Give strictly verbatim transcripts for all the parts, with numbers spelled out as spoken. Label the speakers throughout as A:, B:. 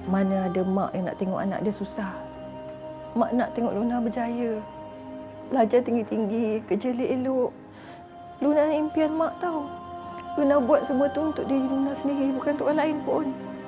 A: Mana ada mak yang nak tengok anak dia susah. Mak nak tengok Luna berjaya. Belajar tinggi-tinggi, kerja elok-elok. Luna ni impian mak tau. Luna buat semua tu untuk diri Luna sendiri, bukan untuk orang lain pun.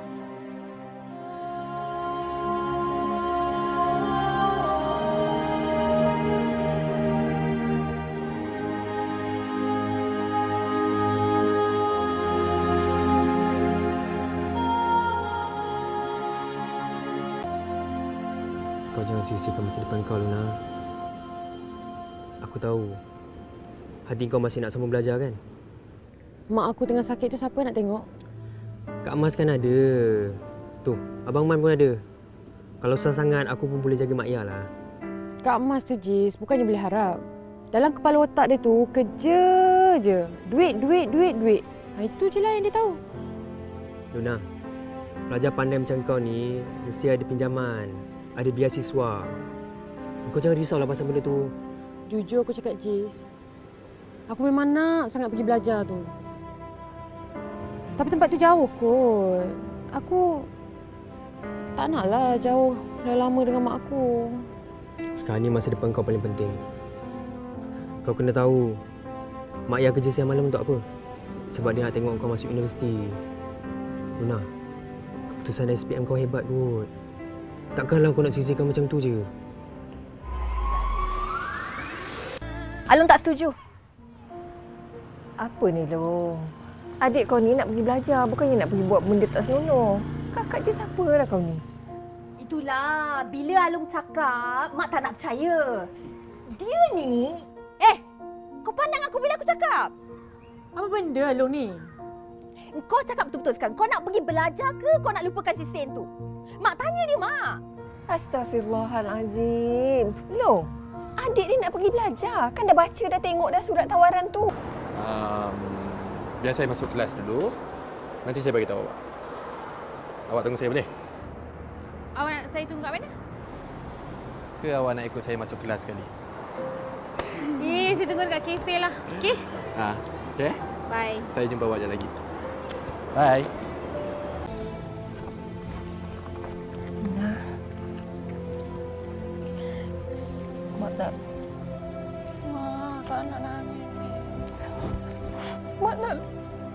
B: Kau jangan sia-siakan masa depan kau, Luna. Aku tahu hati kau masih nak sambung belajar kan?
C: Mak aku tengah sakit tu siapa nak tengok?
B: Kak Mas kan ada. Tu, Abang Man pun ada. Kalau susah sangat, aku pun boleh jaga Mak Yah lah.
C: Kak Mas tu, Jis, bukannya boleh harap. Dalam kepala otak dia tu, kerja je. Duit, duit, duit, duit. Ha, itu je lah yang dia tahu.
B: Luna, pelajar pandai macam kau ni, mesti ada pinjaman, ada biasiswa. Kau jangan risaulah pasal benda tu.
C: Jujur aku cakap, Jis. Aku memang nak sangat pergi belajar tu. Tapi tempat tu jauh kot. Aku tak naklah jauh lama dengan mak aku.
B: Sekarang ni masa depan kau paling penting. Kau kena tahu, Mak Yah kerja siang malam untuk apa? Sebab dia nak tengok kau masuk universiti. Luna, keputusan S P M kau hebat kot. Takkanlah kau nak sisihkan macam tu je.
A: Alung tak setuju. Apa ni, Long? Adik kau ni nak pergi belajar, bukannya nak pergi buat benda tak senonoh. Kakak je siapa lah kau ni?
D: Itulah, bila Alung cakap, Mak tak nak percaya. Dia ni... Eh, kau pandang aku bila aku cakap?
C: Apa benda Alung ni?
D: Kau cakap betul-betul sekarang. Kau nak pergi belajar ke kau nak lupakan si Sen tu? Mak tanya dia, Mak.
A: Astaghfirullahalazim. Long, adik ni nak pergi belajar. Kan dah baca, dah tengok dah surat tawaran tu.
E: Um, biar saya masuk kelas dulu. Nanti saya bagi tahu awak. Awak tunggu saya boleh?
F: Awak nak saya tunggu kat mana?
E: Ke awak nak ikut saya masuk kelas sekali?
F: Eh, saya tunggu dekat kafe lah. Okey?
E: Ha, okey.
F: Bye.
E: Saya jumpa awak sekejap lagi. Bye.
A: Nah. Mak tak... Mak tak nak nangis. Mak nak...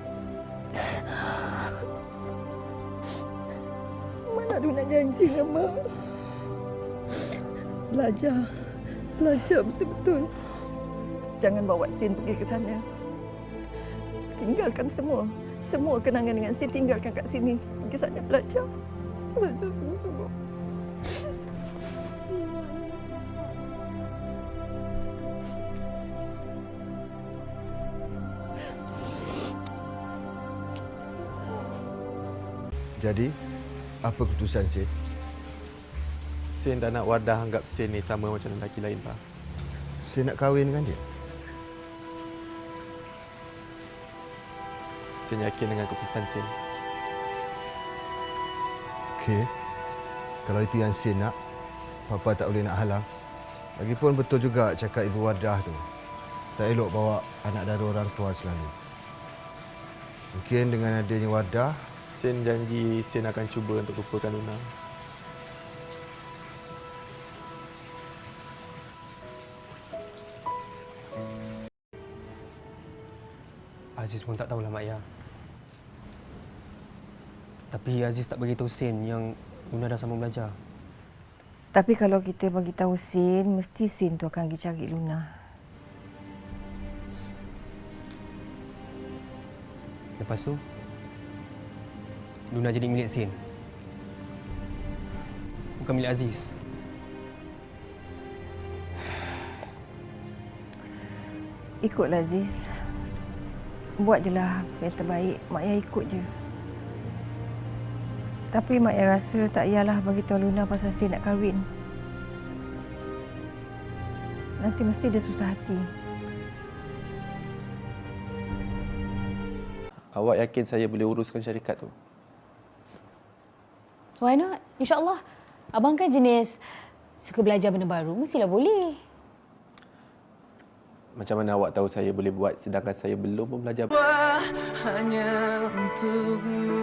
A: Mak nak Luna janji dengan Mak. Belajar. Belajar betul-betul. Jangan bawa Sin pergi ke sana. Tinggalkan semua. Semua kenangan dengan Sin tinggalkan kat sini. Pergi sana belajar. Belajar sungguh-sungguh.
G: Jadi, apa keputusan Sin?
E: Sin dan anak Wardah anggap Sin ni sama macam lelaki lain, Pak.
G: Sin nak kahwin dengan dia?
E: Sin yakin dengan keputusan Sin.
G: Okey. Kalau itu yang Sin nak, Papa tak boleh nak halang. Lagipun betul juga cakap Ibu Wardah tu. Tak elok bawa anak dara orang tua selalu. Mungkin dengan adanya Wardah,
E: Sin janji Sin akan cuba untuk lupakan Luna.
B: Aziz pun tak tahulah Mak Yah. Tapi Aziz tak beritahu Sin yang Luna dah sambung belajar.
A: Tapi kalau kita bagi tahu Sin, mesti Sin tu akan pergi cari Luna.
B: Lepas tu, Luna jadi milik Sin. Bukan milik Aziz.
A: Ikutlah Aziz. Buat je lah yang terbaik. Mak Yah ikut je. Tapi Mak Yah rasa tak payahlah bagi tahu Luna pasal Sin nak kahwin. Nanti mesti dia susah hati.
E: Awak yakin saya boleh uruskan syarikat tu?
F: Why not? InsyaAllah. Abang kan jenis suka belajar benda baru. Mestilah boleh.
E: Macam mana awak tahu saya boleh buat sedangkan saya belum pun belajar?
H: Hanya untukmu